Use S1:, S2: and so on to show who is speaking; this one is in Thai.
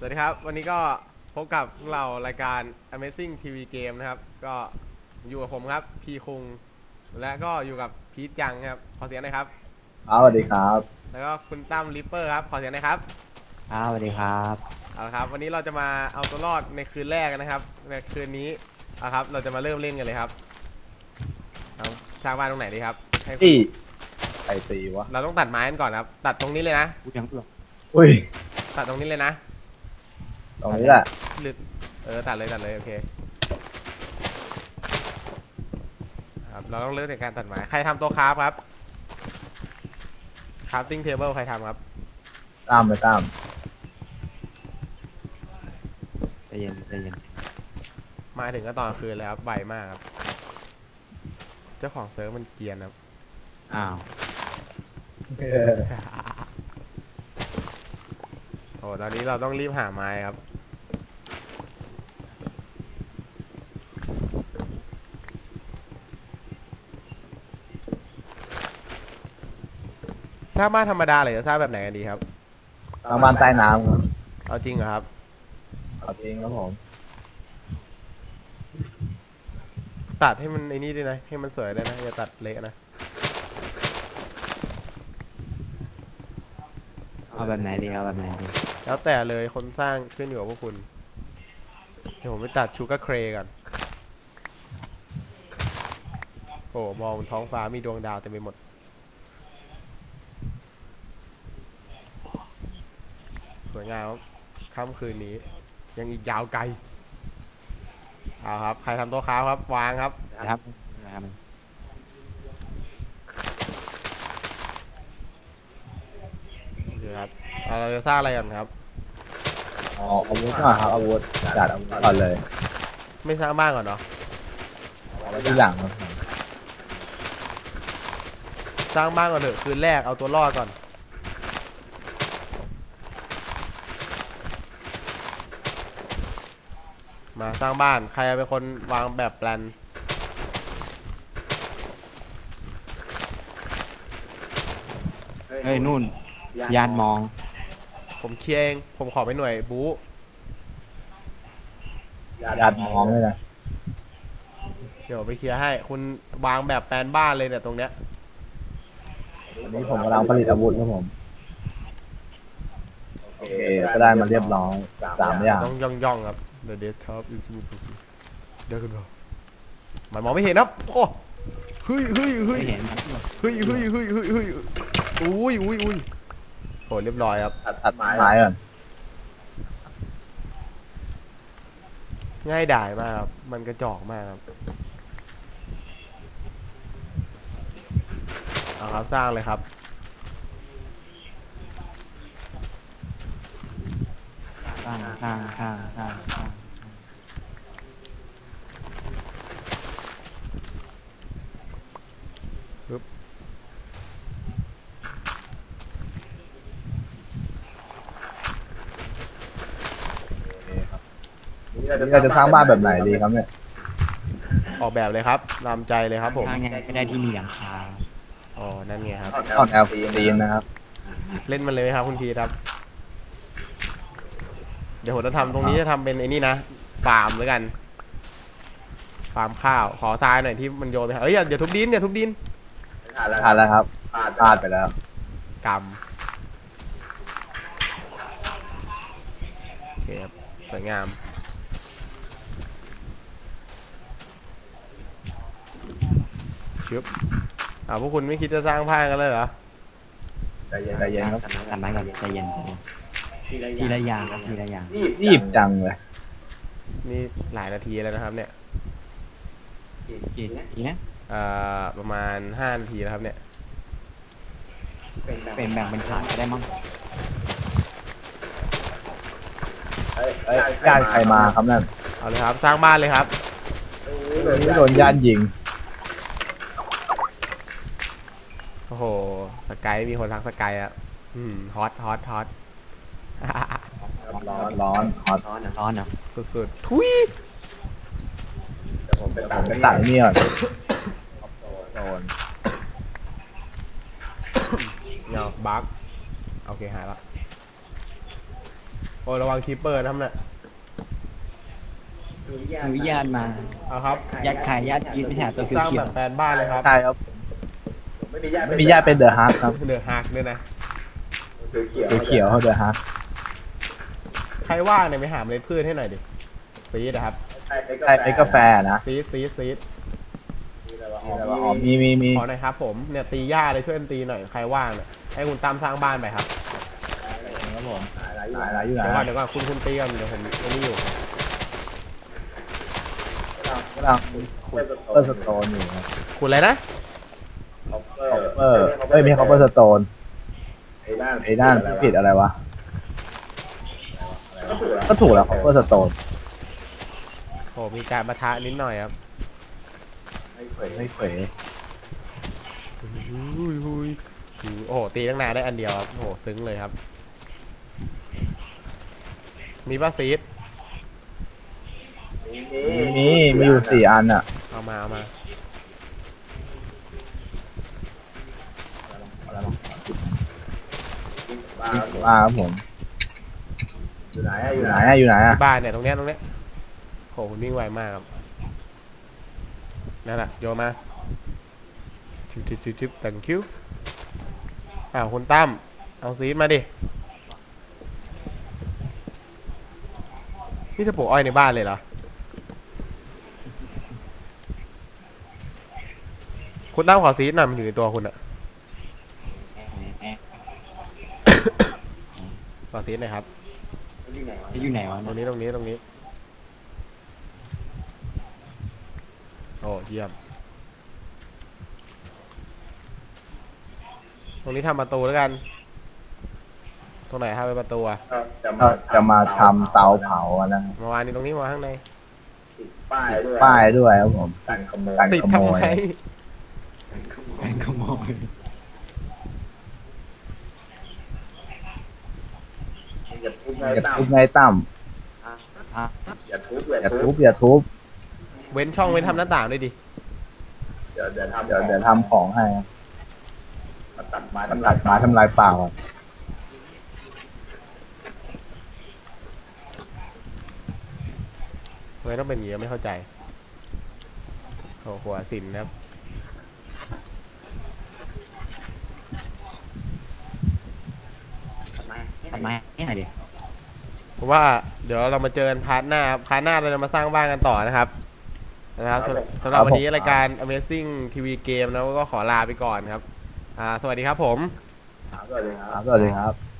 S1: วัสดีครับวันนี้ก็พบกับเรารายการ Amazing TV Game นะครับก็อยู่กับผมครับพีคุงและก็อยู่กับพีทจังครับขอเสียงหน่อยครับ
S2: สวัสดีครับ
S1: แล้วก็คุณตั้มริปเปอร์ครับขอเสียงหน่อยครับ
S3: สวัสดีครับ
S1: เอาละครับวันนี้เราจะมาเอาตัวรอดในคืนแรกนะครับในคืนนี้ครับเราจะมาเริ่มเล่นกันเลยครับเอาสร้างบ้านตรงไหนดีครับให้
S2: ที่ใครตีวะ
S1: เราต้องตัดไม้กันก่อนครับตัดตรงนี้เลยนะ
S3: พูดยังเปลือก
S2: อุ้ย
S1: ตัดตรงนี้เลยนะ
S2: ตรงนี้แหละ
S1: หรือตัดเลยโอเคครับเราต้องเริ่มจากการตัดไม้ใครทำโต๊ะคราฟครับcrafting table ใครทำครับ
S2: ตามไปตาม
S3: ใจเย็นใจเย็น
S1: มาถึงก็ตอนคืนเลยครับไวมากครับเจ้าของเซิร์ฟมันเกรียนครับ
S3: อ้าว
S1: โอ้ตอนนี้เราต้องรีบหาไม้ครับสร้างบ้านธรรมดาหรือจะสร้างแบบไหนกันดีครับ
S2: ทางบ้านใต้น้ำครับ
S1: เอาจริงเหรอครับ
S2: เอาจริงครับผม
S1: ตัดให้มันไอ้นี่ด้วยนะให้มันสวยด้วยนะอย่าตัดเละนะ
S3: เอาแบบไหนดีเอาแบบไหนดี
S1: แล้วแต่เลยคนสร้างขึ้นอยู่กับพวกคุณเดี๋ยวผมไปตัดชูการ์เครก่อนโอ้มองท้องฟ้ามีดวงดาวเต็มไปหมดสวยงามค่ำคืนนี้ยังอีกยาวไกลเอาครับใครทำโต๊ะค้าครับวางครับ
S3: นะครับนะครับ
S1: โอเคครับเราจะสร้างอะไรกันครับ
S2: อ๋ออาวุธก่อนครับอาวุธจัดอาวุธก่อนเลย
S1: ไม่สร้างบ้านก่อนเนาะ
S2: เอาไว้ที่หลังครับ
S1: สร้างบ้านก่อนเถอะคืนแรกเอาตัวรอดก่อนมาสร้างบ้านใครเป็นคนวางแบบแปลน
S3: เฮ้ยนู่นยานมอง
S1: ผมเคลียร์เองผมขอไปหน่วยบู๊
S2: ยัดมองเลยนะ
S1: เดี๋ยวไปเคลียร์ให้คุณวางแบบแปลนบ้านเลยเนี่ยตรงเนี้ย
S2: วันนี้ผมกำลังผลิตอาวุธครับผมโอเคก็ได้มาเรียบร้อย3 อย่าง
S1: ต้องย่องครับ The desktop is moving เดี๋ยวคุณบอกมันมองไม่เห็นครับโอ้เฮ้ย
S3: ไม่เห็นมัน
S1: เฮ้ยอุ้ยโหเรียบร้อยครับ
S2: ตัดไม้ก่อน
S1: ง่ายดายมากครับมันกระจอกมากครับเอาครับสร้างเลยครับ
S3: สร้าง
S2: เราจะสร้างบ้านแบบไหนดีครับเนี่ย
S1: ออกแบบเลยครับนำใจเลยครับผม
S3: สร้างยังไงก็ได้ที่มีหลังคา
S1: อ๋อนั่นไงครับ
S2: ออกแนวธีมนะครับ
S1: เล่นมันเลยไหมครับคุณพีครับเดี๋ยวผมจะทำตรงนี้จะทำเป็นไอ้นี่นะฟาร์มแล้วกันฟาร์มข้าวขอทรายหน่อยที่มันโยนไปเอ้ยอย่าทุบดิน
S2: ผ่านแล้วครับพลาดไปแล้ว
S1: กำโอเคครับสวยงามชึบพวกคุณไม่คิดจะสร้างผ้ากันเลยเหรอ
S2: ใจเย็นครับ
S3: ตัดไม้ก่อนใจเย็นทีละอย่างครับทีละอย่าง
S2: รีบจังเลย
S1: นี่หลายนาทีแล้วนะครับเนี่ย
S3: กี่นะ
S1: ประมาณ5 นาทีแล้วครับเนี่ย
S3: เป็นแบ่งเป็นฐานก็ได้มั้ง
S2: ญาติใครมาครับนั่น
S1: เอาเลยครับสร้างบ้านเลยครับ
S2: โดนญาติยิง
S1: โอ้โหสกายมีคนทักสกายอ่ะฮอต
S2: ร้อน
S3: เหรอ
S1: สุดๆทุย
S2: ผมไปตัดนี่ก่อนโดน
S1: เนาะบั๊กโอเคหายละโอ้ระวังคีปเปอร์นะครับเนี่ย
S3: อนุญาตมา
S1: เอาครับ
S3: ยัดขายยัดยืนไม่ใช่ตัว
S1: สร้าง
S3: เขีย
S1: แบ
S3: ว
S1: บแฟนบ้านเลยครับ
S2: ใช่ครับไม่มีญาติเป็นเดอะฮักครับ
S1: เดือดฮักด้วยนะ
S2: เขียวๆเขาเดอะฮัก
S1: ใครว่างเนี่ยไปหาเมล็ดพืชให้หน่อยดิซีดนะครับ
S2: ใช่เป็นกาแฟนะ
S1: ซีด
S2: แต่ว่าอ๋อมี
S1: ขอหน่อยครับผมเนี่ยตีหญ้าเลยช่วยกันตีหน่อยใครว่างเนี่ยให้คุณตามสร้างบ้านไปครับ
S2: ครับผมหลายอยู่
S1: เดี๋ยวก่อน
S2: นะ
S1: คุณตีกันเดี๋ยวผมอันนี้อยู่
S2: กำลังเปิดสโตนอยู่ครับ
S1: คุณอะไรนะ
S2: ไม่ใช่คอปเปอร์สโตนไอ้ด้านผิดอะไรวะก็ถูกแล้วคอปเปอร์สโตน
S1: โหมีการประทะนิดหน่อยครับ
S2: ไม่เขว
S1: โอ้โหตีตั้งนานได้อันเดียวครับโอ้โหซึ้งเลยครับ มีป้าซีด
S2: มีอยู่4 อันอ่ะ
S1: เอามา
S2: มาครับผมอยู่ไหนอ่ะ
S1: ที่บ้านเนี่ยตรงเนี้ยโหคุณวิ่งไวมากครับนั่นแหละโยนมาชิบthank you คุณตั้มเอาซีดมาดินี่จะปลูกอ้อยในบ้านเลยเหรอคุณตั้มขอซีดหน่อยมันอยู่ในตัวคุณอะขอซีดหน่อยครับ
S3: อยู่ไหนวะ
S1: ตรงนี้โอ้เยี่ยมตรงนี้ทำประตูแล้วกันตรงไหนทำเป็นประตูอะ
S2: ก็จะมาทำเตาเผาอะนะ
S1: มาวางนี่ตรงนี้มาข้างใน
S2: ป้ายด้วยครับผมกัน
S1: ติด
S2: ขโม
S1: ทำ
S2: ย
S1: ไม
S3: การขโมย
S2: อย่าทุบไงตั้มอย่าทุบ
S1: เว้นช่องเว้นทำหน้าต่างด้วยดิ
S2: เดี๋ยวทำของให้ตัดไม้ทำลายป่าก่อน
S1: ทำไมต้องเป็นอย่างนี้ไม่เข้าใจโอ้หัวสินนะครับ
S3: ทำไมให้หน่อยดิ
S1: เพราะว่าเดี๋ยวเรามาเจอกันพาร์ทหน้าครับพาร์ทหน้าเราจะมาสร้างบ้านกันต่อนะครับสำหรับวันนี้รายการ Amazing TV Game นะก็ขอลาไปก่อนครับสวัสดีครับผม
S2: สวัสดีครับ